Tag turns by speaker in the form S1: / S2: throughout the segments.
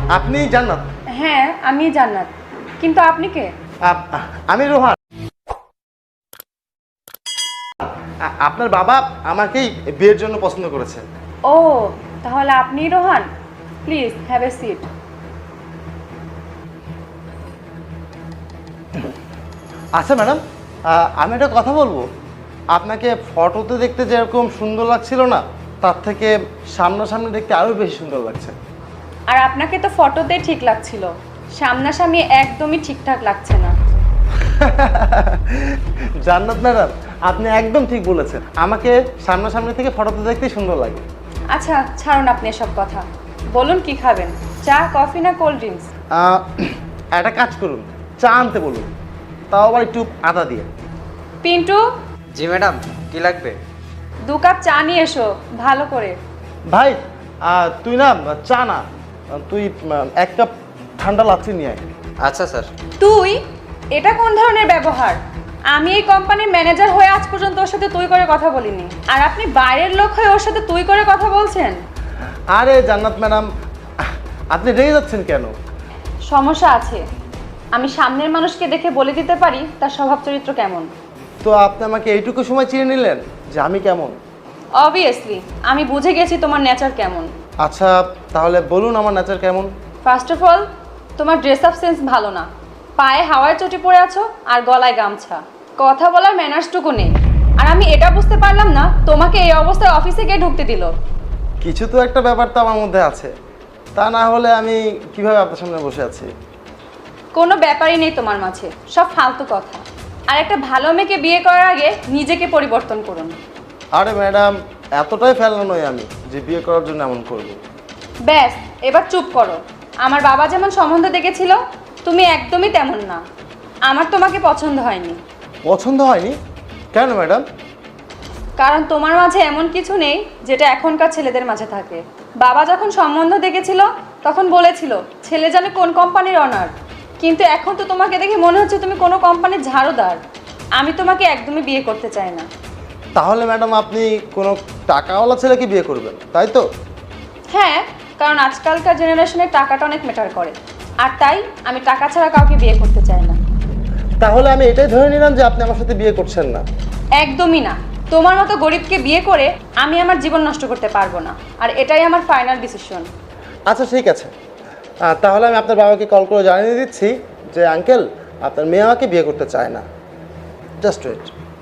S1: আপনি জান্নাত?
S2: হ্যাঁ আমি জান্নাত, কিন্তু আপনি কে?
S1: আমি রোহান। আপনার বাবা আমাকেই বিয়ের জন্য পছন্দ করেছে।
S2: ও, তাহলে আপনি Rohan. Please have a seat.
S1: আচ্ছা ম্যাডাম, আমি একটা কথা বলবো। আপনাকে ফটোতে দেখতে যেরকম সুন্দর লাগছিল না, তার থেকে সামনাসামনি দেখতে আরও বেশি সুন্দর লাগছে।
S2: আর আপনাকে তো ফটোতেই ঠিক লাগছিল, সামনাসামনি একদমই ঠিকঠাক লাগছে না।
S1: জান্নাত ম্যাডাম, আপনি একদম ঠিক বলেছেন। আমাকে সামনাসামনি থেকে ফটোতে দেখতেই সুন্দর লাগে।
S2: আচ্ছা ছাড়ুন আপনি এসব কথা, বলুন কি খাবেন, চা, কফি না কোল্ড ড্রিঙ্কস?
S1: একটা কাজ করুন, চা আনতে বলুন, তাও আবার একটু আদা দিয়ে।
S2: পিন্টু,
S3: জি ম্যাডাম, কি লাগবে?
S2: 2 কাপ চা নিয়ে এসো ভালো করে।
S1: ভাই, তুই না চা না, তুই 1 কাপ ঠান্ডা লাচ্ছি নিয়ে আয়।
S3: আচ্ছা স্যার।
S2: তুই? এটা কোন ধরনের ব্যবহার? আমি এই কোম্পানির ম্যানেজার হয়ে আজ পর্যন্ত ওর সাথে তুই করে কথা বলিনি, আর আপনি বাইরের লোক হয়ে ওর সাথে তুই করে কথা বলছেন।
S1: আরে জান্নাত ম্যাডাম, আপনি রেগে যাচ্ছেন কেন?
S2: সমস্যা আছে, আমি সামনের মানুষকে দেখে বলে দিতে পারি তার স্বভাব চরিত্র কেমন।
S1: তো আপনি আমাকে এইটুকু সময় চিনে নিলেন যে আমি কেমন?
S2: অবভিয়াসলি আমি বুঝে গেছি তোমার নেচার কেমন।
S1: আচ্ছা তাহলে বলুন আমার নেচার কেমন।
S2: ফার্স্ট অফ অল, তোমার ড্রেস আপ সেন্স ভালো না, পায়ে হাওয়ায় চটি পরে আছো আর গলায় গামছা, কথা বলার ম্যানার্সটুকু নেই। আর আমি এটা বুঝতে পারলাম না তোমাকে এই অবস্থায় অফিসে গিয়ে ঢুকতে দিল।
S1: কিছু তো একটা ব্যাপার তো আমার মধ্যে আছে, তা না হলে আমি কিভাবে আপনার সামনে বসে আছি?
S2: কোনো ব্যাপারই নেই তোমার মাঝে, সব ফালতু কথা। আর একটা ভালো মেয়েকে বিয়ে করার আগে নিজেকে পরিবর্তন করুন।
S1: আরে ম্যাডাম, এতটাই ফেলনা নই আমি যে বিয়ে করার জন্য এমন করব।
S2: ব্যাস, এবার চুপ করো। আমার বাবা যেমন সম্বন্ধ দেখেছিল, তুমি একদমই তেমন না। আমার তোমাকে পছন্দ হয়নি।
S1: পছন্দ হয়নি কেন ম্যাডাম?
S2: কারণ তোমার মাঝে এমন কিছু নেই যেটা এখনকার ছেলেদের মাঝে থাকে। বাবা যখন সম্বন্ধ দেখেছিল তখন বলেছিল ছেলে জানে কোন কোম্পানির অনার, কিন্তু এখন তো তোমাকে দেখে মনে হচ্ছে তুমি কোনো কোম্পানির ঝাড়ুদার। আমি তোমাকে একদমই বিয়ে করতে চাই না।
S1: তাহলে ম্যাডাম আপনি কোনো টাকাওয়ালা ছেলেকে বিয়ে করবেন, তাই তো?
S2: হ্যাঁ, কারণ আজকালকার জেনারেশনে টাকাটা অনেক ম্যাটার করে, আর তাই আমি টাকা ছাড়া কাউকে বিয়ে করতে চাই না।
S1: তাহলে আমি এটাই ধরে নিলাম যে আপনি আমার সাথে বিয়ে করছেন না।
S2: একদমই না। তোমার মতো গরিবকে বিয়ে করে আমি আমার জীবন নষ্ট করতে পারবো না, আর এটাই আমার ফাইনাল ডিসিশন।
S1: আচ্ছা ঠিক আছে, তাহলে আমি আপনার বাবাকে কল করে জানিয়ে দিচ্ছি যে আঙ্কেল, আপনার মেয়ে আমাকে বিয়ে করতে চায় না। Just wait.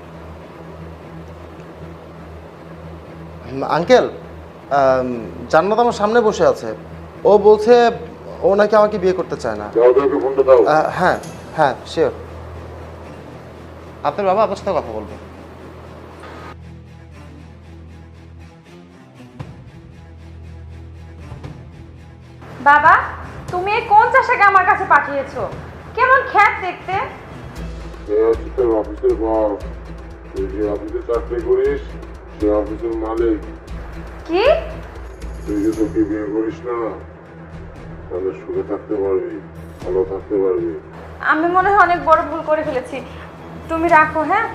S1: আঙ্কেল, জান্নাত আমার সামনে বসে আছে, ও বলছে ও নাকি আমাকে বিয়ে করতে চায় না। হ্যাঁ হ্যাঁ শিওর। আপনার বাবা আপনার সাথে কথা বলবে।
S2: বাবা, তুমি এই কোন চাষাকে আমার কাছে পাঠিয়েছো? কেমন খ্যাত দেখতে।
S4: তোর অফিসের বস, তুই যে অফিসে চাকরি করিস সে অফিসের মালিক।
S2: কি?
S4: তুই যে তোকে বিয়ে করিস না, তাহলে সুখে থাকতে পারবি, ভালো থাকতে পারবি।
S2: আমি মনে হয় অনেক বড় ভুল করে ফেলেছি, তুমি রাখো। হ্যাঁ,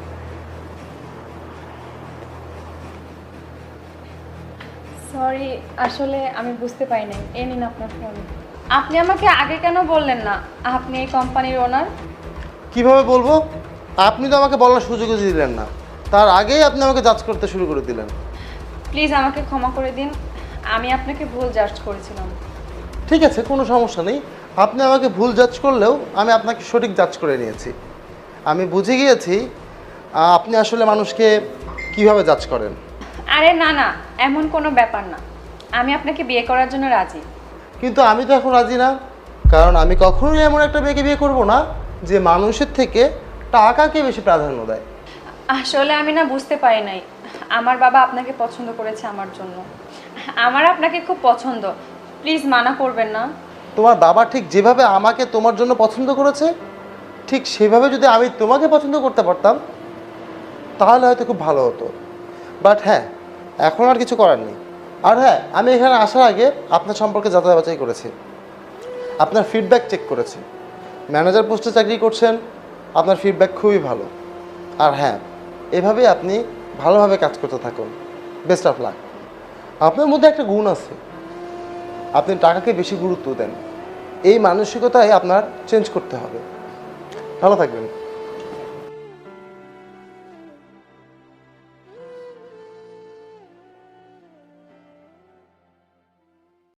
S2: সরি, আসলে আমি বুঝতে পারি নাই। এই নিন আপনার ফোন। আপনি আমাকে আগে কেন বললেন না আপনি এই কোম্পানির ওনার?
S1: কিভাবে বলবো? আপনি তো আমাকে বলার সুযোগও দিলেন না, তার আগেই আপনি আমাকে জাজ করতে শুরু করে দিলেন।
S2: প্লিজ আমাকে ক্ষমা করে দিন, আমি আপনাকে ভুল জাজ করেছিলাম।
S1: ঠিক আছে, কোনো সমস্যা নেই। আপনি আমাকে ভুল জাজ করলেও আমি আপনাকে সঠিক জাজ করে নিয়েছি। আমি বুঝে গিয়েছি আপনি আসলে মানুষকে কিভাবে জাজ করেন।
S2: আরে না না, এমন কোনো ব্যাপার না। আমি আপনাকে বিয়ে করার জন্য রাজি।
S1: কিন্তু আমি তো এখন রাজি না, কারণ আমি কখনোই এমন একটা মেয়েকে বিয়ে করব না যে মানুষের থেকে টাকাকে বেশি প্রাধান্য দেয়।
S2: আসলে আমি না বুঝতে পারি নাই, আমার বাবা আপনাকে পছন্দ করেছে আমার জন্য। আমার আপনাকে খুব পছন্দ, প্লিজ মানা করবেন না।
S1: তোমার বাবা ঠিক যেভাবে আমাকে তোমার জন্য পছন্দ করেছে, ঠিক সেভাবে যদি আমি তোমাকে পছন্দ করতে পারতাম তাহলে হয়তো খুব ভালো হতো। বাট হ্যাঁ, এখন আর কিছু করার নেই। আর হ্যাঁ, আমি এখানে আসার আগে আপনার সম্পর্কে যাচাই বাছাই করেছি, আপনার ফিডব্যাক চেক করেছি। ম্যানেজার পোস্টে চাকরি করছেন, আপনার ফিডব্যাক খুবই ভালো। আর হ্যাঁ, এভাবেই আপনি ভালোভাবে কাজ করতে থাকুন। Best of luck. আপনার মধ্যে একটা গুণ আছে, আপনি টাকাকে বেশি গুরুত্ব দেন। এই মানসিকতাই আপনার চেঞ্জ করতে হবে। ভালো থাকবেন।